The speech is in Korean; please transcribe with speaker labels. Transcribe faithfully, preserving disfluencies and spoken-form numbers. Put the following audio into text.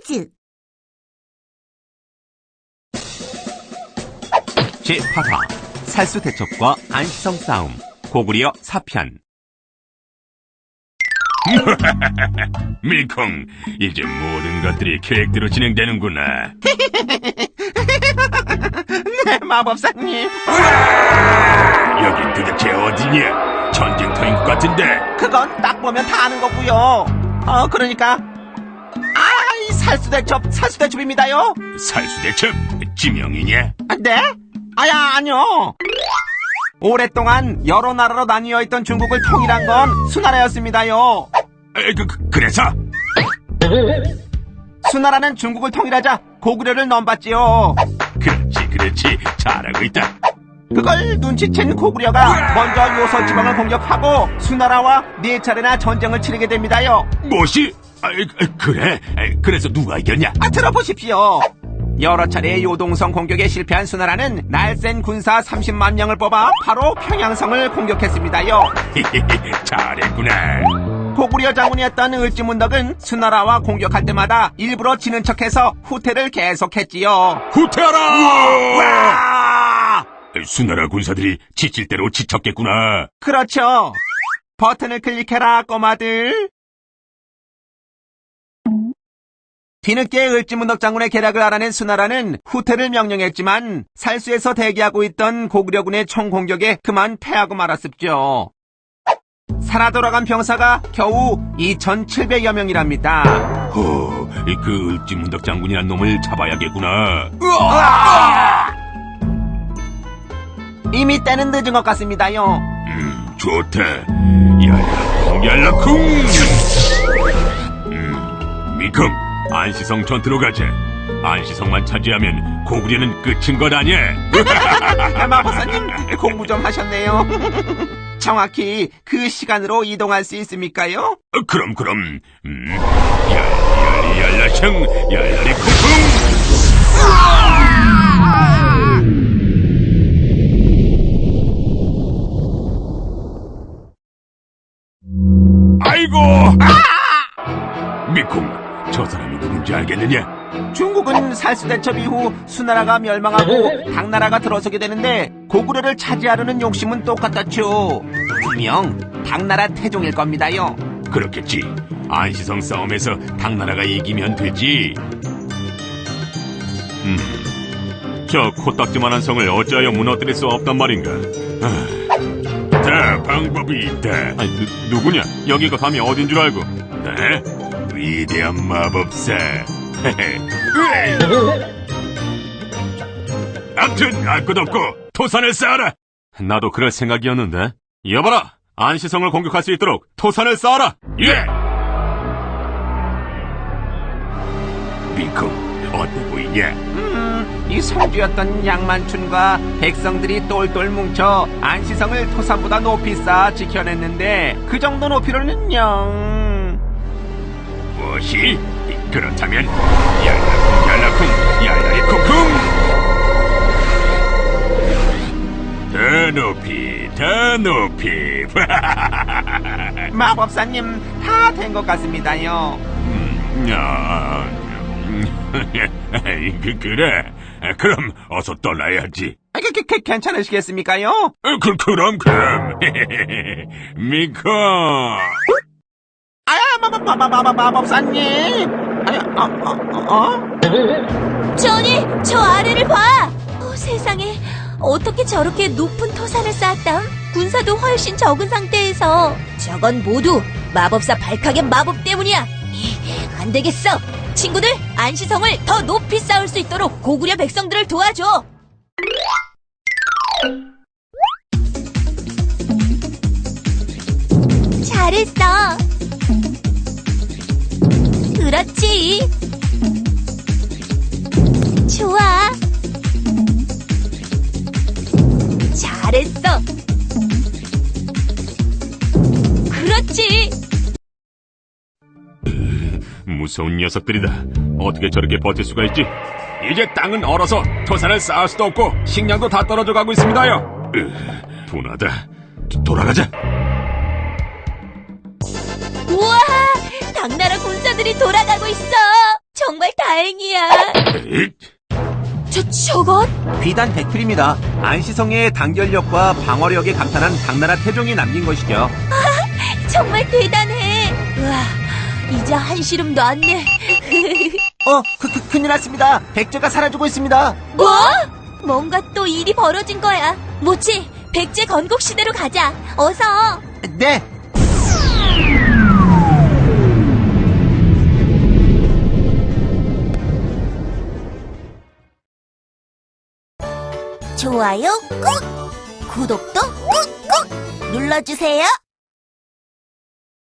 Speaker 1: 퀴즈.
Speaker 2: 제팔 화 살수대첩과 안시성 싸움 고구려 사 편.
Speaker 3: 밀콩, 이제 모든 것들이 계획대로 진행되는구나.
Speaker 2: 네, 마법사님.
Speaker 3: 여긴 도대체 어디냐? 전쟁터인 것 같은데.
Speaker 2: 그건 딱 보면 다 아는 거고요. 어, 그러니까 아, 이 살수대첩, 살수대첩입니다요.
Speaker 3: 살수대첩? 지명이냐?
Speaker 2: 아, 네? 아야, 아니요. 오랫동안 여러 나라로 나뉘어 있던 중국을 통일한 건 수나라였습니다요.
Speaker 3: 에, 그, 그, 그래서?
Speaker 2: 수나라는 중국을 통일하자 고구려를 넘봤지요.
Speaker 3: 그렇지, 그렇지. 잘하고 있다.
Speaker 2: 그걸 눈치챈 고구려가 먼저 요서 지방을 공격하고 수나라와 네 차례나 전쟁을 치르게 됩니다요.
Speaker 3: 뭐시? 아, 그래? 그래서 누가 이겼냐?
Speaker 2: 아, 들어보십시오. 여러 차례 요동성 공격에 실패한 수나라는 날쌘 군사 삼십만 명을 뽑아 바로 평양성을 공격했습니다요.
Speaker 3: 잘했구나.
Speaker 2: 고구려 장군이었던 을지문덕은 수나라와 공격할 때마다 일부러 지는 척해서 후퇴를 계속했지요.
Speaker 3: 후퇴하라!
Speaker 2: 와!
Speaker 3: 수나라 군사들이 지칠 대로 지쳤겠구나.
Speaker 2: 그렇죠. 버튼을 클릭해라, 꼬마들. 뒤늦게 을지문덕 장군의 계략을 알아낸 수나라는 후퇴를 명령했지만 살수에서 대기하고 있던 고구려군의 총공격에 그만 패하고 말았습죠. 살아 돌아간 병사가 겨우 이천칠백여 명이랍니다.
Speaker 3: 허, 그 을지문덕 장군이란 놈을 잡아야겠구나.
Speaker 2: 으아! 이미 때는 늦은 것 같습니다요.
Speaker 3: 음, 좋다. 얄라쿵, 얄라쿵! 음, 미컴, 안시성 전투로 가자. 안시성만 차지하면 고구려는 끝인 것 아니야?
Speaker 2: 마법사님, 공부 좀 하셨네요. 정확히 그 시간으로 이동할 수 있습니까요?
Speaker 3: 어, 그럼, 그럼. 음, 얄리, 얄리, 얄라샹, 얄라리 쿵쿵! 아이고! 아! 미콩, 저 사람이 누군지 알겠느냐?
Speaker 2: 중국은 살수대첩 이후 수나라가 멸망하고 당나라가 들어서게 되는데 고구려를 차지하려는 욕심은 똑같았죠. 분명 당나라 태종일 겁니다요.
Speaker 3: 그렇겠지. 안시성 싸움에서 당나라가 이기면 되지. 음, 저 코딱지만한 성을 어찌하여 무너뜨릴 수 없단 말인가? 아, 자, 방법이 있다.
Speaker 4: 아니, 누, 누구냐? 여기가 감히 어딘 줄 알고.
Speaker 3: 네? 위대한 마법사. 암튼 알 것 없고 토산을 쌓아라.
Speaker 4: 나도 그럴 생각이었는데. 여봐라! 안시성을 공격할 수 있도록 토산을 쌓아라!
Speaker 3: 예! 미콩, 어때 보이냐?
Speaker 2: 음, 이 성주였던 양만춘과 백성들이 똘똘 뭉쳐 안시성을 토산보다 높이 쌓아 지켜냈는데 그 정도 높이로는요.
Speaker 3: 무엇이? 그렇다면 얄라쿵 얄라쿵 얄라리 쿵쿵! 더 높이 더 높이.
Speaker 2: 마법사님, 다 된 것 같습니다요.
Speaker 3: 음, 야, 음, 그, 그래. 그럼 어서 떠나야지.
Speaker 2: 아, 그, 그, 그, 괜찮으시겠습니까요?
Speaker 3: 어, 그, 그럼 그럼. 미코.
Speaker 2: 아야, 마마마마마 마법사님. 아야, 어, 어, 어?
Speaker 1: 조니, 저 아래를 봐. 어, 세상에, 어떻게 저렇게 높은 토산을 쌓았담? 군사도 훨씬 적은 상태에서. 저건 모두 마법사 발카겐 마법 때문이야. 안 되겠어. 친구들, 안시성을 더 높이 쌓을 수 있도록 고구려 백성들을 도와줘. 잘했어. 그렇지. 좋아. 잘했어. 그렇지.
Speaker 4: 무서운 녀석들이다. 어떻게 저렇게 버틸 수가 있지? 이제 땅은 얼어서 토산을 쌓을 수도 없고 식량도 다 떨어져 가고 있습니다요.
Speaker 3: 으, 분하다. 돌아가자.
Speaker 1: 우와! 당나라 군사들이 돌아가고 있어. 정말 다행이야.
Speaker 3: 에잇,
Speaker 1: 저, 저건?
Speaker 2: 비단 백필입니다. 안시성의 단결력과 방어력에 감탄한 당나라 태종이 남긴 것이죠.
Speaker 1: 정말 대단해. 우와, 이제 한시름도 안 내.
Speaker 2: 어, 그, 그, 큰일 났습니다. 백제가 사라지고 있습니다.
Speaker 1: 뭐? 뭔가 또 일이 벌어진 거야. 모치, 백제 건국 시대로 가자. 어서.
Speaker 2: 네.
Speaker 5: 좋아요 꾹! 구독도 꾹꾹 눌러주세요.